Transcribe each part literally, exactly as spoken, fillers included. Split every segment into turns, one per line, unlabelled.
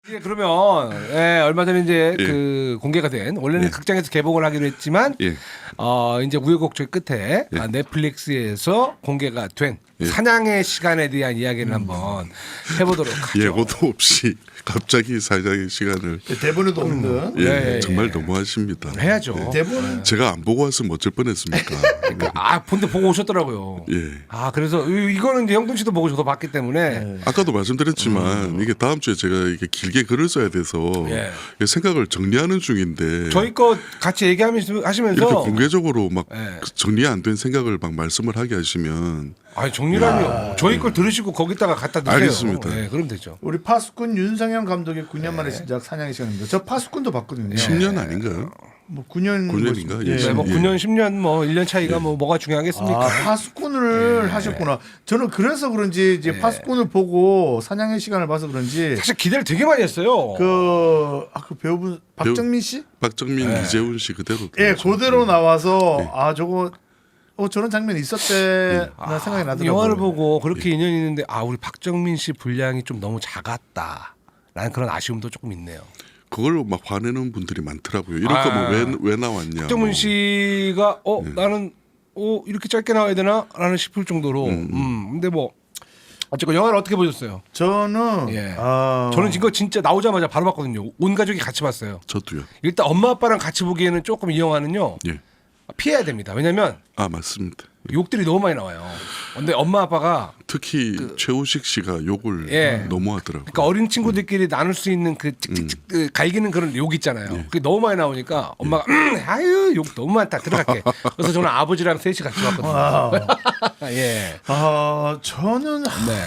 이제 그러면 예, 얼마 전에 이제
예.
그 공개가 된 원래는
예.
극장에서 개봉을 하기로 했지만
예.
어 이제 우여곡절 끝에
예.
아, 넷플릭스에서 공개가 된
예.
사냥의 시간에 대한 이야기를 한번 해보도록 하죠.
예고도 없이 갑자기 사냥의 시간을
대본에도 없는.
예,
예, 예,
정말
예.
너무하십니다.
해야죠.
대본
제가 안 보고 왔으면 어쩔 뻔했습니까?
그러니까 아 본데 보고 오셨더라고요.
예.
아 그래서 이- 이거는 이제 형돈 씨도 보고 저도 봤기 때문에
아까도 말씀드렸지만 이게 다음 주에 제가 이게 길게 글을 써야 돼서
예.
이게 생각을 정리하는 중인데
저희 거 같이 얘기하면서 하시면서
이렇게 공개적으로 막
예.
그 정리 안 된 생각을 막 말씀을 하게 하시면
아니 정리라니요. 저희 걸 들으시고 거기다가 갖다 드세요.
알겠습니다.
예, 그럼 되죠.
우리 파수꾼 윤상현 감독의 구 년 만에 시작 사냥의 시간입니다. 저 파수꾼도 봤거든요.
십 년 아닌가요?
뭐 구 년
구 년인가?
뭐,
예.
네, 뭐
예.
구 년, 십 년, 뭐 일 년 차이가 뭐 뭐가 중요하겠습니까?
아, 파수꾼을 하셨구나. 저는 그래서 그런지 이제 파수꾼을 보고 사냥의 시간을 봐서 그런지
사실 기대를 되게 많이 했어요.
그, 아, 그 배우분 박정민 씨?
박정민,
네.
이재훈 씨 그대로
예,
들어오죠.
그대로 나와서 아 저거 어 저런 장면이 있었대 나
아,
생각이 나더라고요.
영화를 보고 그렇게 인연이 있는데 아 우리 박정민 씨 분량이 좀 너무 작았다라는 그런 아쉬움도 조금 있네요.
그걸로 막 화내는 분들이 많더라고요. 이런
아.
거 뭐 왜 왜 나왔냐.
박정민
뭐.
씨가 어 나는 어 이렇게 짧게 나와야 되나라는 싶을 정도로 음, 근데 뭐 어쨌건 영화를 어떻게 보셨어요?
저는
예.
아,
저는 이거 진짜 나오자마자 바로 봤거든요. 온 가족이 같이 봤어요.
저도요.
일단 엄마 아빠랑 같이 보기에는 조금 이 영화는요
예.
피해야 됩니다. 왜냐면
아 맞습니다.
욕들이 너무 많이 나와요. 근데 엄마 아빠가
특히 최우식 씨가 욕을
그 예.
너무 하더라고요.
그러니까 어린 친구들끼리 나눌 수 있는 그 찍찍찍 그 갈기는 그런 욕 있잖아요. 그게 너무 많이 나오니까 엄마가 음, 아유 욕 너무 많다 들어갈게. 그래서 저는 아버지랑 셋이 같이 봤거든요.
아,
예.
아 저는
네.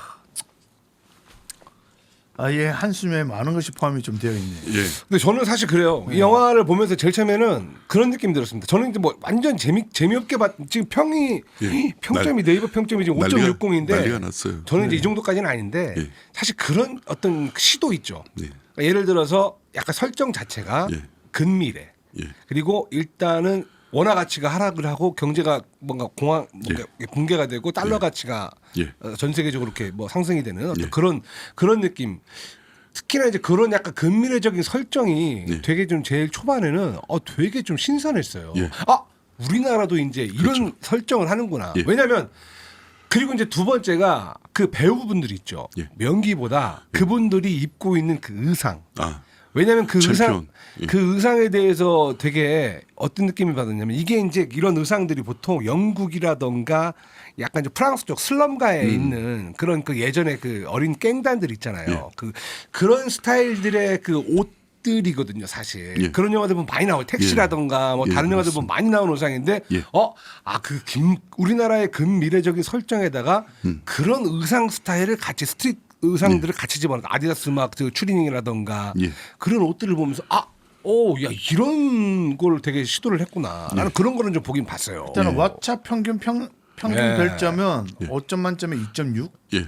아예 한숨에 많은 것이 포함이 좀 되어 있네요.
예.
근데 저는 사실 그래요. 이 영화를 보면서 제일 처음에는 그런 느낌 들었습니다. 저는 이제 뭐 완전 재미 재미없게 봤 지금 평이
예.
평점이 네이버 평점이 지금
난리가-
오점육공인데
난리가 났어요.
저는 이제 이 정도까지는 아닌데
예.
사실 그런 어떤 시도 있죠.
예.
그러니까 예를 들어서 약간 설정 자체가
예.
근미래
예.
그리고 일단은 원화 가치가 하락을 하고 경제가 뭔가 공황 뭔가 붕괴가 되고 달러 가치가
예.
어, 전 세계적으로 이렇게 뭐 상승이 되는 어떤
예.
그런 그런 느낌. 특히나 이제 그런 약간 근미래적인 설정이
예.
되게 좀 제일 초반에는 어 되게 좀 신선했어요.
예.
아 우리나라도 이제 이런
그렇죠.
설정을 하는구나.
예.
왜냐하면 그리고 이제 두 번째가 그 배우분들 있죠.
예.
명기보다 그분들이 입고 있는 그 의상.
아
왜냐하면 그
챔피언.
의상
예.
그 의상에 대해서 되게 어떤 느낌을 받았냐면 이게 이제 이런 의상들이 보통 영국이라던가 약간 좀 프랑스 쪽 슬럼가에
음.
있는 그런 그 예전에 그 어린 깽단들 있잖아요.
예.
그 그런 스타일들의 그 옷들이거든요, 사실.
예.
그런 영화들 보면 많이 나와요. 택시라던가 뭐
예,
다른 영화들 보면 많이 나오는 의상인데
예.
어, 아 그 김 우리나라의 근미래적인 설정에다가
음.
그런 의상 스타일을 같이 스트릿 의상들을 같이 집어넣어 아디다스 막 그 추리닝이라던가
예.
그런 옷들을 보면서 아, 오, 야 이런 걸 되게 시도를 했구나.
예.
나는 그런 거는 좀 보긴 봤어요.
일단은 왓챠 평균 평 평균
예.
별점은 오 점 만점에 이 점 육.
예.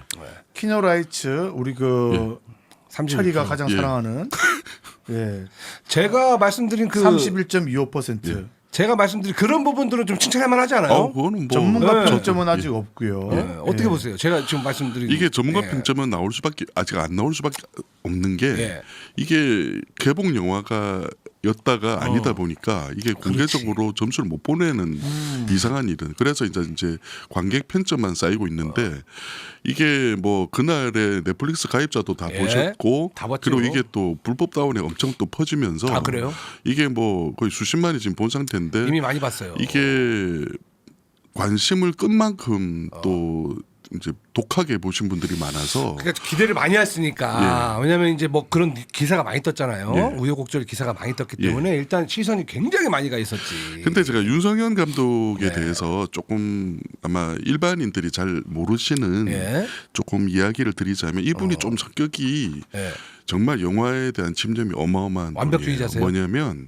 키노라이츠 우리 그
삼십일
철이가
퍼센트.
가장
예.
사랑하는 예
제가 말씀드린 그
삼십일 점 이오 퍼센트.
제가 말씀드린 그런 부분들은 좀 칭찬할 만하지 않아요?
어, 그거는 뭐
전문가
네.
평점은 아직 없고요.
예, 어떻게
예.
보세요? 제가 지금 말씀드린
이게 전문가
예.
평점은 나올 수밖에 아직 안 나올 수밖에 없는 게
예.
이게 개봉 영화가 였다가 아니다 보니까 이게 공개적으로 점수를 못 보내는 이상한 일은 그래서 이제 이제 관객 편점만 쌓이고 있는데 이게 뭐 그날의 넷플릭스 가입자도 다
예.
보셨고
다 봤죠.
그리고 이게 또 불법 다운에 엄청 또 퍼지면서
아, 그래요?
이게 뭐 거의 수십만이 지금 본 상태인데
이미 많이 봤어요.
이게 관심을 끈 만큼
어.
또 이제 독하게 보신 분들이 많아서
그러니까 기대를 많이 했으니까 왜냐하면 이제 뭐 그런 기사가 많이 떴잖아요.
예.
우여곡절 기사가 많이 떴기
예.
때문에 일단 시선이 굉장히 많이 가 있었지.
근데 제가 윤석현 감독에
네.
대해서 조금 아마 일반인들이 잘 모르시는
예.
조금 이야기를 드리자면 이분이
어.
좀 성격이
예.
정말 영화에 대한 침점이 어마어마한
완벽주의자세요?
분이에요. 뭐냐면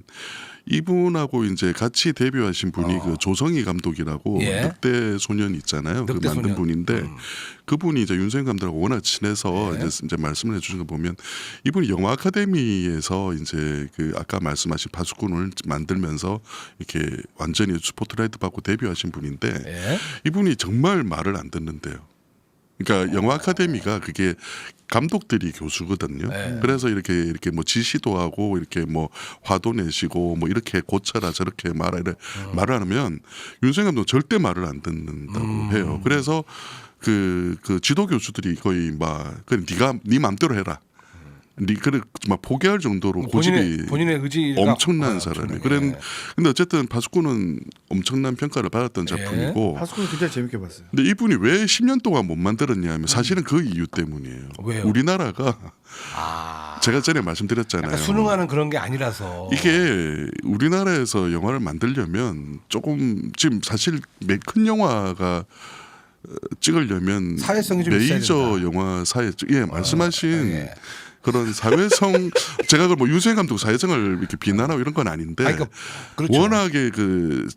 이분하고 이제 같이 데뷔하신 분이
어.
그 조성희 감독이라고
예.
늑대 소년 있잖아요. 그
늑대
만든
소년.
분인데
음.
그분이 이제 윤석현 감독하고 워낙 친해서
예.
이제, 이제 말씀을 해주신 거 보면 이분이 영화 아카데미에서 이제 그 아까 말씀하신 파수꾼을 만들면서 이렇게 완전히 스포트라이트 받고 데뷔하신 분인데
예.
이분이 정말 말을 안 듣는데요. 그러니까 영화 아카데미가 그게 감독들이 교수거든요.
네.
그래서 이렇게 이렇게 뭐 지시도 하고 이렇게 뭐 화도 내시고 뭐 이렇게 고쳐라 저렇게 말하 이래
음.
말을 하면 윤석열 감독 절대 말을 안 듣는다고
음.
해요. 그래서 그, 그 지도 교수들이 거의 막 그래 네가 네 맘대로 해라. 네 그래 막 포기할 정도로 고집이
본인의 본인의 의지가
엄청난
아,
사람이.
엄청나게.
그런 근데 어쨌든 파수꾼은 엄청난 평가를 받았던
예.
작품이고.
파수꾼 굉장히 재밌게 봤어요.
근데 이분이 왜 십 년 동안 못 만들었냐면 사실은 그 이유 때문이에요.
왜요?
우리나라가
아,
제가 전에 말씀드렸잖아요.
약간 수능하는 그런 게 아니라서
이게 우리나라에서 영화를 만들려면 조금 지금 사실 매- 큰 영화가 어, 찍으려면
사회성이 좀 있어야
메이저
된다.
영화사에 예 말씀하신
예.
그런 사회성 제가 그걸 뭐 윤수행 감독 사회성을 이렇게 비난하고 이런 건 아닌데
아니, 그러니까 그렇죠.
워낙에 그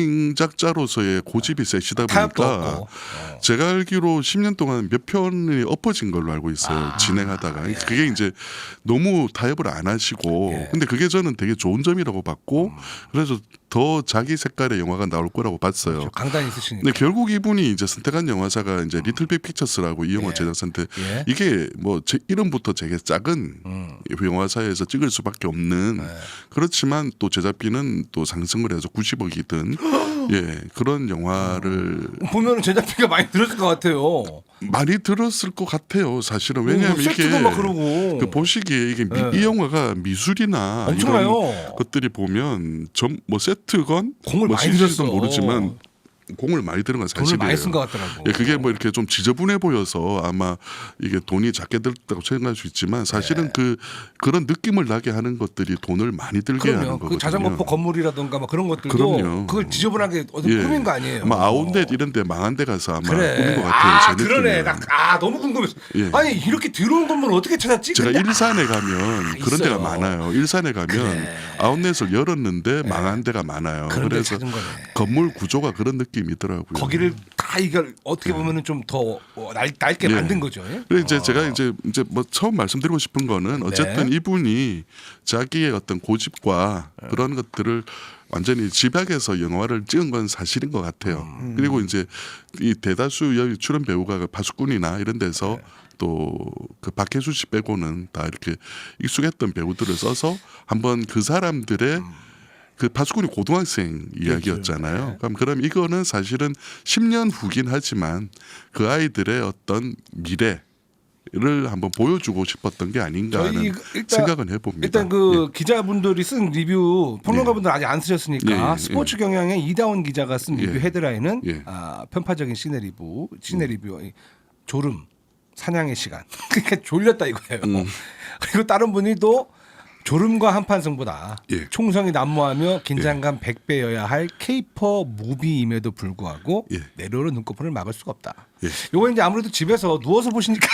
창작자로서의 고집이 세시다
타협도
보니까
없고. 어.
제가 알기로 십 년 동안 몇 편이 엎어진 걸로 알고 있어요.
아,
진행하다가
예.
그게 이제 너무 타협을 안 하시고
예.
근데 그게 저는 되게 좋은 점이라고 봤고
음.
그래서 더 자기 색깔의 영화가 나올 거라고 봤어요.
그렇죠. 강단이 있으시니까.
근데 결국 이분이 이제 선택한 영화사가 이제 리틀 빅 픽처스라고 이 영화
예.
제작사인데
예.
이게 뭐 제 이름부터 되게 작은
음.
영화사에서 찍을 수밖에 없는
네.
그렇지만 또 제작비는 또 상승을 해서 구십억이든 예 그런 영화를
보면은 제작비가 많이 들었을 것 같아요.
많이 들었을 것 같아요. 사실은 왜냐하면
뭐
이게
세트도 막 그러고.
그 보시기에 이게 미-
예.
이 영화가 미술이나
엄청나요.
이런 것들이 보면 점 뭐 세트건
공을
뭐
많이
씨지에서도
들였어.
모르지만 공을 많이 들은 건
돈을
사실이에요.
많이 쓴 것 같더라고.
예, 그게 뭐 이렇게 좀 지저분해 보여서 아마 이게 돈이 작게 들었다고 생각할 수 있지만 사실은 그 그런 느낌을 나게 하는 것들이 돈을 많이 들게 하는
그럼요.
거거든요.
그 자전거포 건물이라든가 뭐 그런 것들도
그럼요.
그걸 지저분하게 어디
예.
꾸민 거 아니에요.
아마 아웃렛 이런 데 망한 데 가서 아마
그래.
꾸민 것 같아요.
아,
제
그러네.
느낌은.
나, 아, 너무 궁금했어.
예.
아니, 이렇게 더러운 건물 어떻게 찾았지?
제가
근데
일산에 가면 그런
있어요.
데가 많아요. 일산에 가면
그래.
아웃렛을 열었는데 망한 데가 많아요.
그런 데
그래서
찾은 거네.
건물 구조가 그런 느낌이더라고요.
거기를 다 이걸 어떻게 보면은 좀 더 낡게
예.
만든 거죠. 예?
그래서 이제
어.
제가 이제 이제 뭐 처음 말씀드리고 싶은 거는 어쨌든
네.
이분이 자기의 어떤 고집과 그런 것들을 완전히 집약해서 영화를 찍은 건 사실인 것 같아요.
음.
그리고 이제 이 대다수 여기 출연 배우가 그 파수꾼이나 이런 데서
네.
또 그 박혜수 씨 빼고는 다 이렇게 익숙했던 배우들을 써서 한번 그 사람들의
음.
그 파수꾼이 고등학생 이야기였잖아요. 그럼 그럼 이거는 사실은 십 년 후긴 하지만 그 아이들의 어떤 미래를 한번 보여주고 싶었던 게 아닌가 하는
저희 일단-
생각은 해봅니다.
일단 그
예.
기자분들이 쓴 리뷰 평론가분들 아직 안 쓰셨으니까
예, 예,
스포츠 경향의 이다운 기자가 쓴 리뷰
예.
헤드라인은
예.
아, 편파적인 시내 리뷰, 시내 리뷰, 이 졸음, 사냥의 시간. 그러니까 졸렸다 이거예요.
음.
그리고 다른 분이 또 졸음과 한판승보다
예.
총성이 난무하며 긴장감 백 배여야 할 케이퍼 무비임에도 불구하고
예.
내려오는 눈꺼풀을 막을 수가 없다.
예.
요거 이제 아무래도 집에서 누워서 보시니까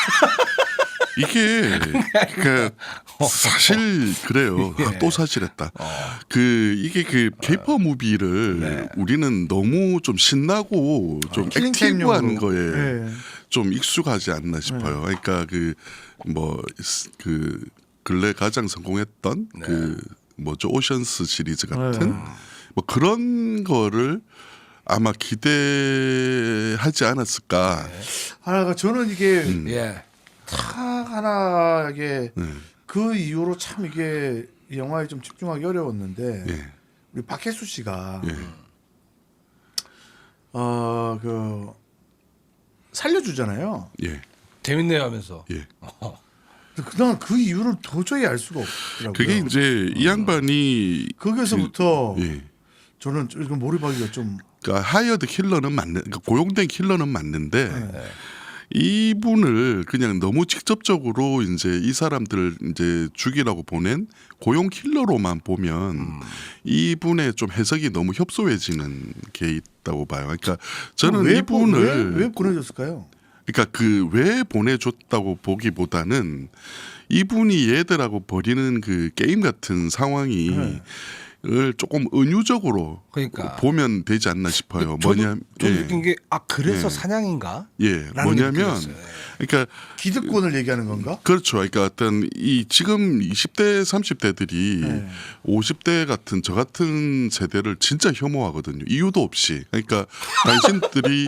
이게 그 사실 그래요.
예.
아, 또 사실했다. 그 이게 그 케이퍼 무비를
네.
우리는 너무 좀 신나고 좀
킬링타임용으로.
액티브한 거에
예.
좀 익숙하지 않나 싶어요. 그러니까 그 뭐 그 근래 가장 성공했던 그 뭐죠 오션스 시리즈 같은 뭐 그런 거를 아마 기대하지 않았을까.
하나가 저는 이게
음.
예.
탁 하나 이게
네.
그 이후로 참 이게 이 영화에 좀 집중하기 어려웠는데
예.
우리 박혜수 씨가
예.
어그 살려주잖아요.
예.
재밌네요 하면서.
예.
그다음 그 이유를 도저히 알 수가 없더라고요.
그게 이제 이 양반이
거기서부터
예.
저는 좀 이거 몰입하기가 좀
그러니까 하이어드 킬러는 맞는 그러니까 고용된 킬러는 맞는데
네.
이분을 그냥 너무 직접적으로 이제 이 사람들을 이제 죽이라고 보낸 고용 킬러로만 보면
음.
이분의 좀 해석이 너무 협소해지는 게 있다고 봐요. 그러니까 저는
왜,
이분을
왜, 왜 보내줬을까요?
그러니까 그 왜 보내줬다고 보기보다는 이분이 얘들하고 벌이는 그 게임 같은 상황이
네.
을 조금 은유적으로
그러니까.
보면 되지 않나 싶어요.
저도
뭐냐,
좀
예,
느낀 게 아 그래서
예.
사냥인가?
예,
라는 게
뭐냐면,
느껴졌어요.
그러니까
기득권을 얘기하는 건가?
그렇죠. 그러니까 어떤 이 지금 이십 대, 삼십 대들이
네.
오십 대 같은 저 같은 세대를 진짜 혐오하거든요. 이유도 없이. 그러니까 당신들이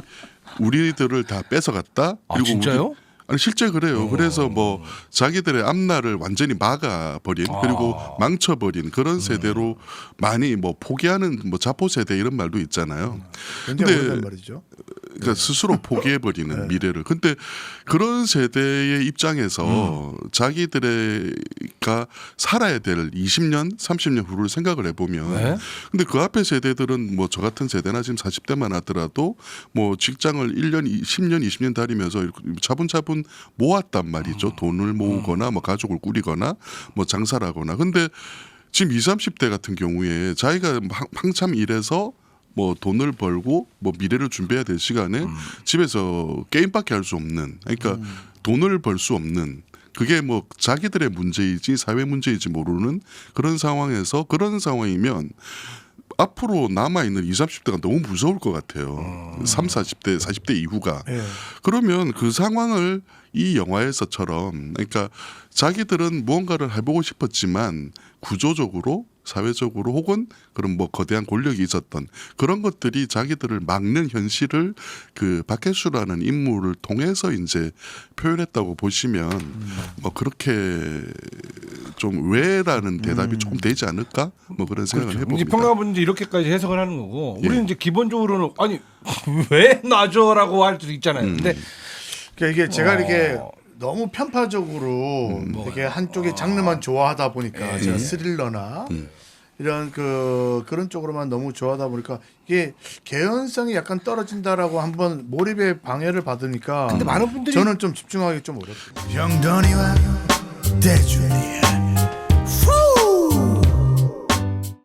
우리들을 다 뺏어갔다.
아,
그리고
진짜요?
우리, 아니 실제 그래요. 그래서 뭐 자기들의 앞날을 완전히 막아버린
아.
그리고 망쳐버린 그런 세대로 많이 뭐 포기하는 뭐 자포 세대 이런 말도 있잖아요.
굉장히
근데
오래된 말이죠.
그러니까 스스로 포기해버리는
네.
미래를. 근데 그런 세대의 입장에서 자기들의가 살아야 될 이십 년, 삼십 년 후를 생각을 해보면,
네.
근데 그 앞에 세대들은 뭐 저 같은 세대나 지금 사십 대만 하더라도 뭐 직장을 일 년, 십 년, 이십 년 다니면서 이렇게 차분차분 모았단 말이죠. 돈을 모으거나 뭐 가족을 꾸리거나 뭐 장사를 하거나. 근데 지금 이십, 삼십 대 같은 경우에 자기가 한- 한참 일해서 뭐 돈을 벌고 뭐 미래를 준비해야 될 시간에
음.
집에서 게임밖에 할 수 없는, 그러니까
음.
돈을 벌 수 없는, 그게 뭐 자기들의 문제이지 사회 문제이지 모르는 그런 상황에서, 그런 상황이면 앞으로 남아있는 이십, 삼십 대가 너무 무서울 것 같아요.
음.
삼, 사십 대, 사십 대 이후가.
예.
그러면 그 상황을 이 영화에서처럼, 그러니까 자기들은 무언가를 해보고 싶었지만 구조적으로 사회적으로 혹은 그런 뭐 거대한 권력이 있었던 그런 것들이 자기들을 막는 현실을 그 박혜수라는 인물을 통해서 이제 표현했다고 보시면 뭐 그렇게 좀 왜라는 대답이 조금 되지 않을까 뭐 그런 생각을
그렇죠. 이제
해봅니다.
평가분들이 이렇게까지 해석을 하는 거고,
예.
우리는 이제 기본적으로는 아니 왜 놔줘라고 할 수도 있잖아요.
음.
근데
그러니까 이게 제가
어.
이렇게 너무 편파적으로 이렇게 한쪽의 장르만 좋아하다 보니까
예.
제가 스릴러나 이런 그 그런 쪽으로만 너무 좋아하다 보니까 이게 개연성이 약간 떨어진다라고 한번 몰입에 방해를 받으니까
근데 많은 분들이
저는 좀 집중하기 좀 어렵죠.
영돈이와 대준이야